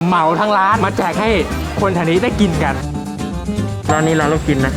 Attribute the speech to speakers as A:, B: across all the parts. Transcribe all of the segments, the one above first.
A: เหมาทั้งร้านมาแจกให้คนแถวนี้ได้กินกันร้านนี้ร้านเรากินนะ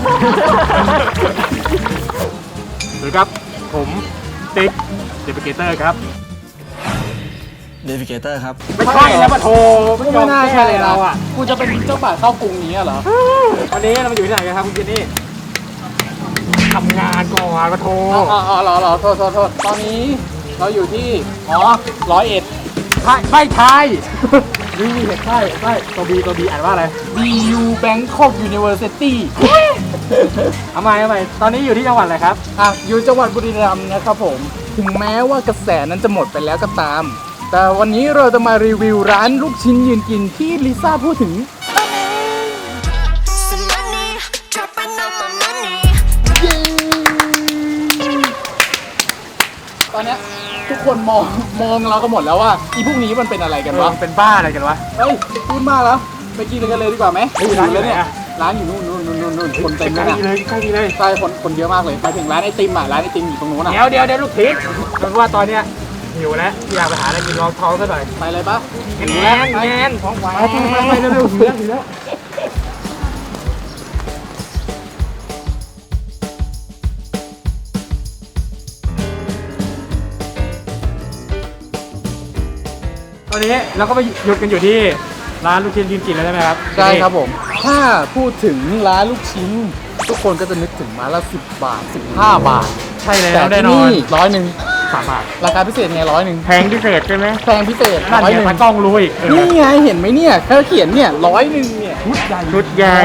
A: สวัสดีครับผมติ๊กเดวิเกเตอร์ครับ
B: เดวิเกเตอร์ครับ
A: ไม่ใช่แล้วปะโทไม่น่าใช่เลยเราอ่ะ
C: กูจะเป็นเจ้าบ่าวเข้ากรุงนี้เหรอ
A: วันนี้เรามาอยู่ที่ไหนกันครับคุณเจนนี่ทำงานก่อนปะโท
C: อ๋อเหรอโทษตอนนี้เราอยู่ที่101
A: ไม่ใช่นี่ใช่ตัวบีอ่านว่าอะไร
C: BU Bangkok University
A: เอาใหม่ตอนนี้อยู่ที่จังหวัดอะไรครับ
C: อยู่จังหวัดบุรีรัมย์นะครับผมถึงแม้ว่ากระแสนั้นจะหมดไปแล้วก็ตาม แต่วันนี้เราจะมารีวิวร้านลูกชิ้นยืนกินที่ลิซ่าพูดถึงตอนนี้ทุกคนมองเราก็หมดแล้วว่าอีพวกนี้มันเป็นอะไรกันวะ
A: เป็นบ้าอะไรกันวะ
C: เฮ้ยพูดมากแล้วไปกินกันเลยดีกว่าไหม
A: ร้านอยู่ไหนอะ
C: ร้านอยู่นู่นคนเต็ม
A: ใก
C: เล
A: ล้
C: ย
A: เลยใกล้เลย
C: ใช่คนเยอะมากเลยไปถึงร้านไอติมร้านไอติมอยู่ตรงนู้น
A: เดี๋ยวลูกทิศเพราะว่าตอนเนี้ยหิวแล้วอยากไปหาอะไรกินรองท้องซะหน่อย
C: ไปเลยปะ
A: แงนท้องไวไปเร็วหิวแล้วตอนนี้เราก็ไปหยุดกันอยู่ที่ร้านลูกชิ้นยืนกินแล้วใช่ไหมครับ
C: ใช่ครับผมถ้าพูดถึงร้านลูกชิ้นทุกคนก็จะนึกถึงมาละ10 บาท 15 บาท
A: ใช่แล้
C: แต่
A: วแน่
C: ที่
A: นอน
C: นี่100
A: 3 บาท
C: ราคาพิเศษไง100
A: แพงพิเศษใช่ไหม
C: แพงพิเศษ
A: นั่นเนี่ยตากล้องรู้อีก
C: นี่ไงเห็นไหมเนี่ยเขาเขียนเนี่ย100เนี่ย
A: ชุดใหญ่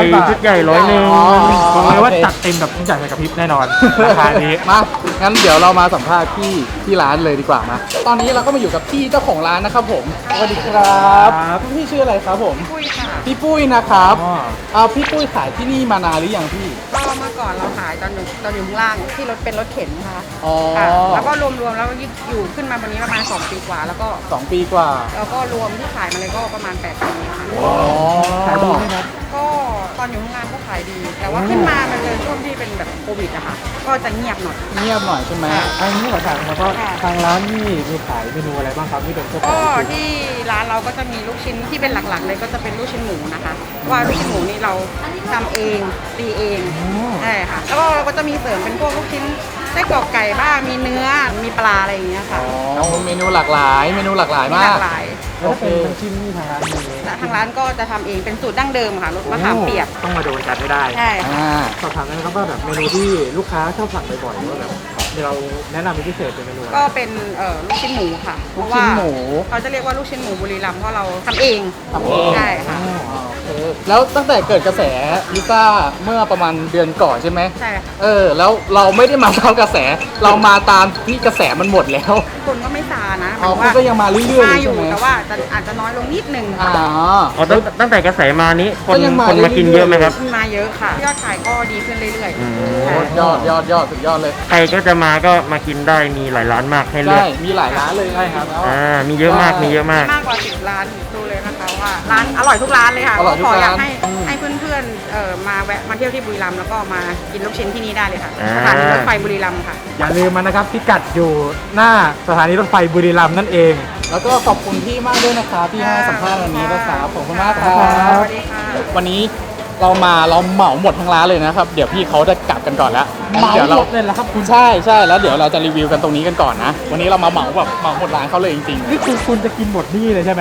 A: 100
C: อ๋อ
A: บอกเลยว่าจัดเต็มแบบทุกอย่างกับพริบแน่นอนราคานี้
C: มางั้นเดี๋ยวเรามาสัมภาษณ์พี่ที่ร้านเลยดีกว่ามาตอนนี้เราก็มาอยู่กับพี่เจ้าของร้านนะครับผมสวัสดีครับพี่ชื่ออะไรครับผม
D: ปุ้ยค่ะ
C: พี่ปุ้ยนะครับ
A: อ๋อ
C: เอาพี่ปุ้ยขายที่นี่มานานหรือยังพี่
D: ก็เมื่อก่อนเราขายตอนอยู่ข้างล่างที่รถเป็นรถเข็นค่ะ
C: อ๋อ
D: ค่ะแล้วก็รวมๆแล้วอยู่ขึ้นมาวันนี้ประมาณ2 ปีกว่า แล้วก็
C: 2 ปีกว่า
D: รวมที่ขายมาเลยก็ประมาณ8 ปีค่ะ
C: อ๋อ
A: ขายดีไหมครับ
D: ก็ตอนอยู่ข้างล่างก็ขายดี แต่ว่าขึ้นมามันเจอช่วงที่เป็นแบบโควิดอะค่ะ ก็จะเงียบหน่อย
C: เงียบหน่อยใช่ไหม
A: อันนี้ขอถามนะครับว่าทางร้านนี่มีขายเมนูอะไรบ้างครับที่เป็นพวกขอ
D: ก็
A: ง
D: ที่ร้านเราก็จะมีลูกชิ้นที่เป็นหลักๆ เลยก็จะเป็นลูกชิ้นหมูนะคะว่าลูกชิ้นหมูนี่เราทำเองตีเองใช่ค่ะแล้วก็เราก็จะมีเสริมเป็นพวกลูกชิ้นไส้กรอกไก่บ้างมีเนื้อมีปลาอะไรอย่างเงี้ยค่ะ
C: อ๋อเมนูหลากหลายมาก
D: มีหลากหลาย
A: แล้วถ้าเป็นน้ำจิ้มนี่ทางร้านมี
D: และทางร้านก็จะทำเองเป็นสูตรดั้งเดิมค่ะรสมะขามเปียก
A: ต้องมาโดนกันให้ได้
D: ใช่ค่ะ
C: อ่า
A: สอบถามได้ไหมครับว่าแบบเมนูที่ลูกค้าชอบสั่งบ่อยๆหรือว่าแบบเราแนะนำเป็นพิเศษเป็นเมนูอะไร
D: ก็เป็นลูกชิ้นหมูค่ะเพ
C: ลูก
D: ราะ
C: ชิ้
D: ว่าน
C: หมู
D: เขาจะเรียกว่าลูกชิ้นหมูบุรีรัมย์เพราะเราทำเอง
C: ทำเอง
D: ใช่ค่ะ
C: อ๋อโอเคแล้วตั้งแต่เกิดกระแสลิซ่าเมื่อประมาณเดือนก่อนใช่ไหม
D: ใช่ค่ะ
C: แล้วเราไม่ได้มาตามกระแส เรามาตามที่กระแสมันหมดแล้ว
D: คนก็ไม่ซานะห
C: อ๋อ
D: มาย
C: คุณก็ยังมาเรื่อยๆ
D: มา
C: เลย
D: อ
C: ใช่
D: ยู่
C: ไหม
D: แต่ว่าอาจจะน้อยลงนิดนึง
C: อ๋อ
A: อ๋อตั้งแต่กระแสมานี้คน
C: ก็ยังมา
A: คนมากินเยอะไหมครับ
D: มาเยอะค่ะยอดขายก็ดีขึ้นเรื่อย
A: อืม
D: ๆใช่
C: ยอดสุดยอดเลย
A: ใครก็จะมาก็มากินได้มีหลายร้านมากให้เลือ
C: ใช่
A: ก
C: มีหลายร้านเลยครับ
A: มีเยอะมากมีเยอะมาก
D: มากกว่า10 ร้านดูเลยนะคะว่าร้านอร่อยทุกร้านเลยค่ะ
C: อร่อยทุก
D: ก็ขออยาก
C: ร้าน
D: ให้เพื่อนๆมาแวะมาเที่ยวที่บุรีรัมย์แล้วก็มากินลูกชิ้นที่นี่ได้เลยค่ะ
A: อ่า
D: สถานีรถไฟบุรีรัมย์ค่ะ
A: อย่าลืมมันนะครับพิกัดอยู่หน้าสถานีรถไฟบุรีรัมย์นั่นเอง
C: แล้วก็ขอบคุณพี่มากด้วยนะครับที่ให้สัมภาษณ์วันนี้นะครับขอบคุณมากค
D: ส
C: รับ
D: วัสดีค่ะ
C: วันนี้เราเหมาหมดทั้งร้านเลยนะครับ เดี๋ยวพี่เขาจะกลับกันก่อนแล้ว
A: เหมา
C: ดี๋ยว
A: หมดเลยเหรอครับคุณ
C: ใช่แล้วเดี๋ยวเราจะรีวิวกันตรงนี้กันก่อนนะ วันนี้เรามาเหมาหมดร้านเขาเลยจริง
A: นี่คุณจะกินหมดนี่เลยใช่ไหม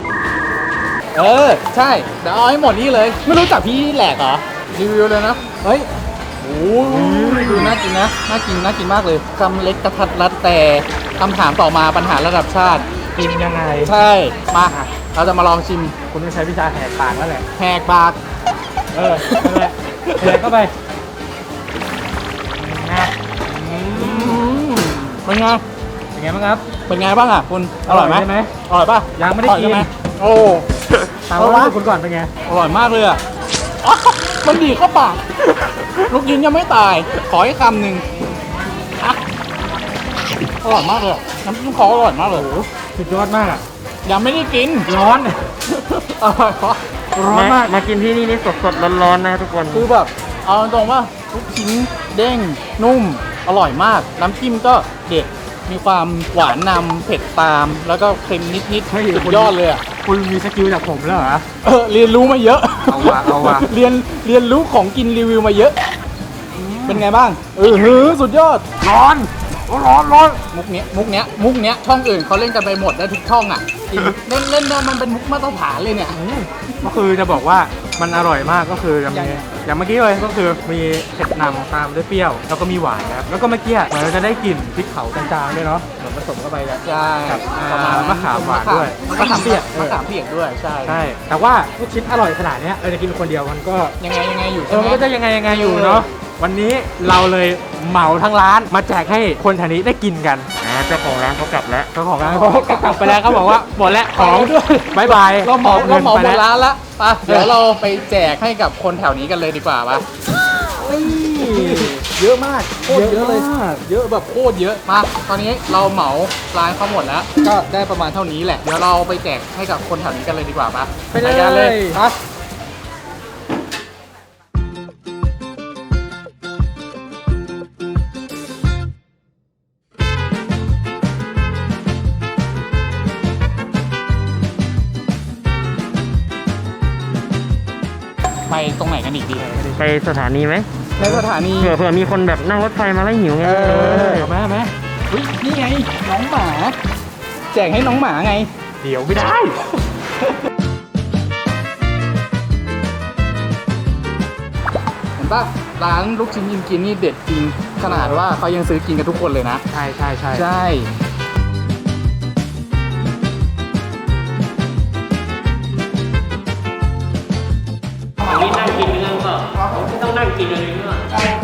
C: ๆใช่เดี๋ยวเอาให้หมดนี่เลย ไม่รู้จักพี่แหลกเหรอรีวิวเลยนะเฮ้ยโอ้ยดูน่ากินนะน่ากินมากเลยคำเล็กกระทัดรัดแต่คำถามต่อมาปัญหาระดับชาติ
A: กินยังไง
C: ใช่มาเราจะมาลองชิม
A: คุณต้องใช้วิชาแหกปากแล้วแหละ
C: แหกปาก
A: นั่นแหละแหกเข้าไปนะ
C: เป็นไง
A: เป็นไงบ้างครับ
C: เป็นไงบ้างอ่ะคุณอร่อยไหม
A: ใช่ไหม
C: อร่อยป่ะ
A: ยังไม่ได้กิน
C: อร่อใช่หโอ้
A: ถามความรู้สึกคุณก่อนเป็นไง
C: อร่อยมากเลยอ่ะอ๊ะมันดีเข้าปากลูกยินยังไม่ตาย ขออีกคำหนึ่งอ่ะอร่อยมากเลยอะน้ำจิ้มคออร่อยมากเลย
A: สุดยอดมากอ่ะ
C: ยังไม่ได้กิน
A: ร้อน
C: อร่อยเพราะ
A: ร้อนมากมากินที่นี่นี่สดๆร้อนๆนะทุกคน
C: คือแบบเอาตรงว่าลูกชิ้นเด้งนุ่มอร่อยมาก น้ำจิ้มก็เด็ดมีความหวานนำเผ็ดตาม แล้วก็เค็มนิดๆสุดยอดเลยอ่ะ
A: คุณมีสกิลจากผมแล้วเหรอ
C: เรียนรู้มาเยอะ
A: เอาว่ะ
C: เรียนรู้ของกินรีวิวมาเยอะ เป็นไงบ้างสุดยอด
A: ร้อน
C: มุกเนี้ยช่องอื่นเขาเล่นกันไปหมดได้ทุกช่องอ่ะจริงเล่นมันเป็นมุกมาตรฐานเลยเนี่ย
A: ก็คือจะบอกว่ามันอร่อยมากก็คือจะมี
C: ยังไง
A: อย่างเมื่อกี้เลยก็คือมีเผ็ดนำตามด้วยเปรี้ยวแล้วก็มีหวานนะครับแล้วก็เมื่อกี้เหมือนเราจะได้กลิ่นพริกเผาจางๆด้วยเนาะเหมือนผสมเข้าไปแล้ว
C: ใช่
A: ครับ
C: ประมาณนั้น
A: มะขามหวานด้วย
C: มะขามเปียก
A: เออ
C: มะขามเปียกด้วยใช่
A: ใช่แต่ว่าลูกชิ้นอร่อยขนาดเนี้ยเราจะกินคนเดียวมันก็
C: ยังไงอยู่
A: เอ
C: ใช่
A: อ
C: ไหม
A: มันก็จะยังไงอยู่เนาะวันนี้เราเลยเหมาทั้งร้านมาแจกให้คนแถวนี้ได้กินกันเจ้าของร้านเขากลับแล้วเจ้าของร้านเขากลับไปแล้วเขาบอกว่าหมดแล้วของบายบาย
C: เราเหมา
A: งิน
C: หม
A: ไป
C: ด
A: แล้ว
C: ร้านละไปเดี๋ยวเราไปแจกให้กับคนแถวนี้กันเลยดีกว่าปะเยอะมากโคตรเยอะเลย เยอะแบบโคตรเยอะมาตอนนี้เราเหมาร้านเขาหมดแล้ว ก็ได้ประมาณเท่านี้แหละ เดี๋ยวเราไปแจกให้กับคนแถวนี้กันเลยดีกว่าปะ
A: ไปเลย
C: กันเลยไปไปตรงไหนกันอีกดี
B: ไปสถานีไหม
C: ในสถานี
B: เผื่อมีคนแบบนั่งรถไฟมาแล้วหิวไง
A: เอาไหม
C: เฮ้ยนี่ไงน้องหมา แจกให้น้องหมาไง
A: เดี๋ยวไม่ได้
C: เห็นป่ะร้านลูกชิ้นยินกินนี่เด็ดจริงขนาดว่าเขายังซื้อกินกันทุกคนเลยนะ
A: ใช่
C: ใช่
B: นี่นั่งกินเนื้อก็ไม่ต้องนั่งกินอะไรเนื้อ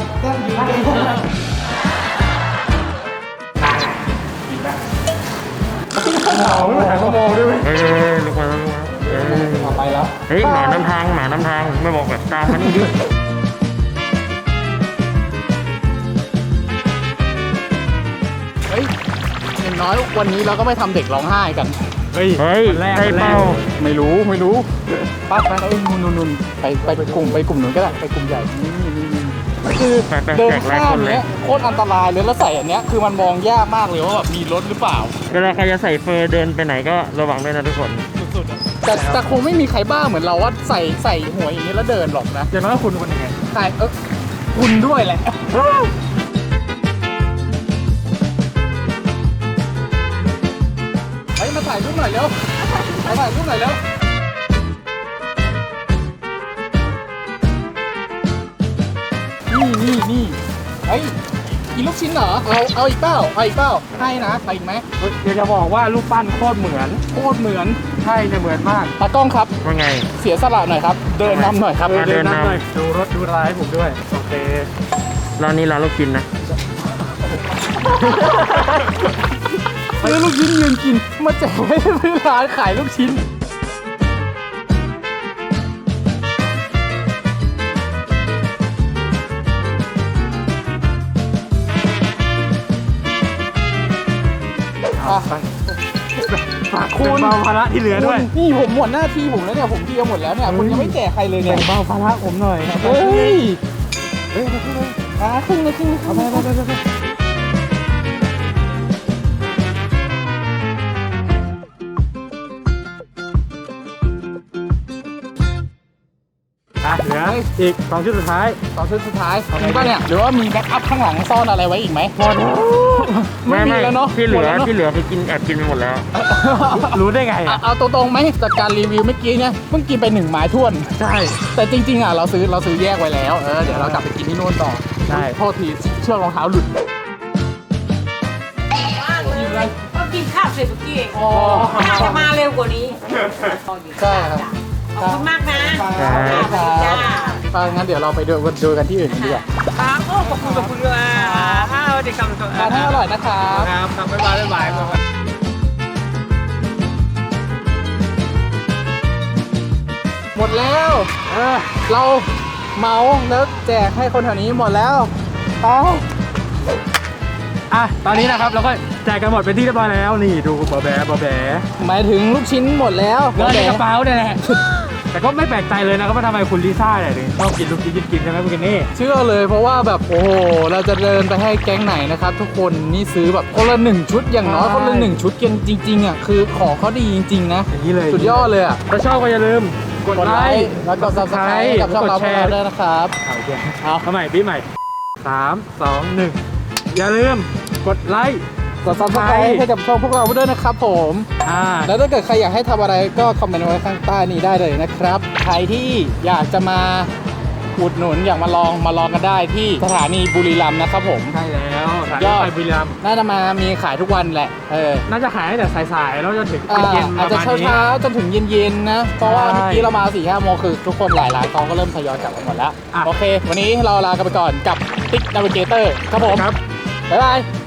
A: เอาหาชั่วโมงด้วยไหม
B: ลูกมาลูกมา
C: ไปแล้ว
B: เฮ้ยหมานำทางไม่บอกแบบตามมานี่ดิ
C: เฮ้ยอย่างน้อยวันนี้เราก็ไม่ทำเด็กร้องไห้กัน
A: เฮ้ย
B: เฮ้ย
A: วันแรก
B: ได้เป้า
C: ไม่รู้ป้าไปนู่นไปกลุ่มนู้นก็ได้ไปกลุ่มใหญ่นี่คือ
B: ไป
C: เดิน
B: แจกหลาย
C: ข้า
B: ค
C: ม
B: นเลย
C: เนี้ยโคตรอันตรายเลยแล้วใส่อันเนี้ยคือมันมองยากมากเลยว่าแบบมีรถหรือเปล่า
B: เวลาใครจะใส่เฟอร์เดินไปไหนก็ระวังด้วยนะทุกคน
A: สุดๆอะ
C: แต่คงไม่มีใครบ้าเหมือนเราว่าใส่หัวอย่างนี้แล้วเดินหรอกนะ
A: อย่างน้อยคุณคนยังไง
C: ใช่คุณด้วยแหละเฮ้ยมาถ่ายรูปหน่อยเร็วมาถ่ายรูปหน่อยเร็วนี่เฮ้ยกินลูกชิ้นเหรอเอาอีกเปล่าให้นะไปอีกไหม
A: เดี๋ยวจะบอกว่ารูปปั้นโคตรเหมือน
C: โคตรเหมือน
A: ใช่เนี่ยเหมือนมาก
C: ตากล้องครับ
B: ว่าไง
C: เสียสละหน่อยครับ เดินนำหน่อยครับ
B: เดินนำ
A: หน่อยดูรถดูร้ายผมด้วยโอเค
B: ร้านนี้ร้านลูกกินนะ
C: ซื้อลูกชิ้นยืนกินมาแจกให้ร้านขายลูกชิ้น
A: ฝากคุณเบาภาระที่เหลือด้วย
C: นี่ผมหมดหน้าที่ผมแล้วเนี่ยผมเคลียร์หมดแล้วเนี่ยคุณยังไม่แจกใครเลยเนี่ย
A: แบ่งเบาภาระผมหน่อย
C: เฮ้ย
A: เฮ้ย
C: ครึ่งเลยเอาไป
A: เหลืออีก2ชุดสุดท้าย
C: ต่อชุดสุดท้ายจริงป่ะเนี่ยหรือว่ามีแบ็คอัพข้างหลังซ่อนอะไรไว้อีกไหมไม่มีแล้วเนาะ
B: ที่เหลื
C: ม
B: อ
C: ดแวนะ
B: ที่เหลือไปกินแอบกินไปหมดแล้ว
A: รู้ได้ไงอ่ะ
C: เอาตรงๆไหมจากการรีวิวเมื่อกี้เนี่ยเพิ่งกินไป1ไม้ท้วน
A: ใช่
C: แต่จริงๆอ่ะเราซื้อแยกไว้แล้วเดี๋ยวเรากลับไปกินที่นู่นต่อ
A: ใช่
C: โทษทีเชือกรองเท้าหลุด
E: ก็กินข้าวเสร็จเมื่อกี้เอง
C: อ๋อ
E: น่าจะมาเร็วกว่านี้
C: ใช่ครับ
E: ขอบคุณมากนะ
C: ครับงั้นเดี๋ยวเราไปดูกันที่อื่นกันดีกว่า
E: ป้าโอ้ขอบคุณด้วยข้าวเด็กกำลัง
C: ทานให้อร่อยนะครับ
A: ครับบ๊ายบาย
C: หมดแล้วเราเมาแล้วแจกให้คนแถวนี้หมดแล้วไป
A: ตอนนี้นะครับเราก็แจกกันหมดเป็นที่เรียบร้อยแล้วนี่ดูบอแบ
C: หมายถึงลูกชิ้นหมดแล้ว
A: เงินในกระเป๋าเนี่ยแหละแต่ก็ไม่แปลกใจเลยนะครับว่าทำไมคุณลิซ่าเนี่ยถึงชอบกินลูกชิ้นกินใช่ไหมคุณเคนนี่
C: เชื่อเลยเพราะว่าแบบโอ้โหเราจะเดินไปให้แก๊งไหนนะครับทุกคนนี่ซื้อแบบคนละ1ชุดอย่างน้อยคนละ1ชุดกันจริงๆอ่ะคือของเขาดีจริงๆนะ
A: อย่างนี้เลย
C: สุดยอดเลยอ่ะ
A: ถ้าชอบก็อย่าลืมกดไลค์
C: แล้วก็ subscribe กับช่องเรา
A: กดแชร์
C: ด้วยนะครับ
A: เอาเดี๋ยวเอาใหม่ปีใหม่3 2 1อย่าลืมกดไลค์
C: กด subscribe ให้กับช่องพวกเราด้วยนะครับผม แล้วถ้าเกิดใครอยากให้ทำอะไรก็คอมเมนต์ไว้ข้างใต้นี้ได้เลยนะครับ ใครที่อยากจะมาอุดหนุนอยากมาลองกันได้ที่สถานีบุรีรัมย์นะครับผม
A: ใช่แล้วสาย
C: ยอด
A: ไฟบุรีรัมย์
C: น่าจะมามีขายทุกวันแหละ
A: น่าจะขายตั้งแต่สายๆแล้วจนถึง
C: อ่า
A: เย็นๆ
C: อาจ
A: ป
C: จะ
A: ระมาณนี้
C: เช้าๆจนถึงเย็นๆนะ เพราะว่า
A: ใช่
C: เมื่อกี้เรามา 4-5 โมงคือทุกคนหลายร้านเขาก็เริ่มทยอยกลับกันหมดแล้ว
A: อ่ะ
C: โอเค วันนี้เราลากันไปก่อนกับติ๊กนาวิเกเตอร์ครับผม
A: ครับ
C: บ๊ายบาย